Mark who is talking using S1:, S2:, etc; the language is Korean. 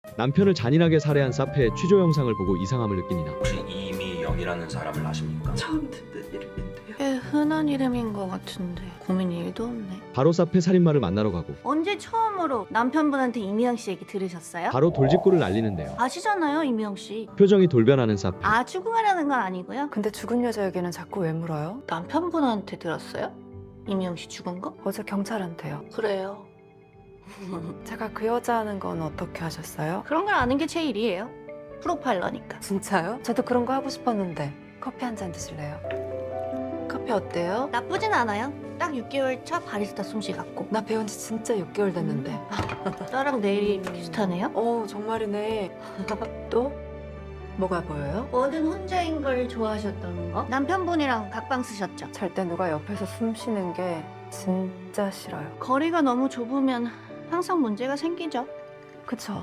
S1: 남편을 잔인하게 살해한 사페의 취조 영상을 보고 이상함을 느낀 이나.
S2: 혹시 이미영이라는 사람을 아십니까?
S3: 처음 듣는 이름인데요.
S4: 꽤 흔한 이름인 것 같은데 고민이 1도 없네.
S1: 바로 사페 살인마를 만나러 가고
S4: 언제 처음으로 남편분한테 이미영 씨 얘기 들으셨어요?
S1: 바로 돌직구를 날리는데요.
S4: 아시잖아요, 이미영 씨.
S1: 표정이 돌변하는 사페.
S4: 아, 추궁하려는 건 아니고요.
S3: 근데 죽은 여자 얘기는 자꾸 왜 물어요?
S4: 남편분한테 들었어요? 이미영 씨 죽은 거?
S3: 어제 경찰한테요.
S4: 그래요.
S3: 제가 그 여자 하는 건 어떻게 하셨어요?
S4: 그런 걸 아는 게 제일이에요. 프로파일러니까.
S3: 진짜요? 저도 그런 거 하고 싶었는데 커피 한 잔 드실래요? 커피 어때요?
S4: 나쁘진 않아요. 딱 6개월 차 바리스타 솜씨 같고.
S3: 나 배운 지 진짜 6개월 됐는데.
S4: 나랑 내일이 비슷하네요.
S3: 정말이네. 또? 뭐가 보여요?
S4: 뭐든 혼자인 걸 좋아하셨던 거? 남편분이랑 각방 쓰셨죠?
S3: 잘 때 누가 옆에서 숨 쉬는 게 진짜 싫어요.
S4: 거리가 너무 좁으면 항상 문제가 생기죠.
S3: 그쵸?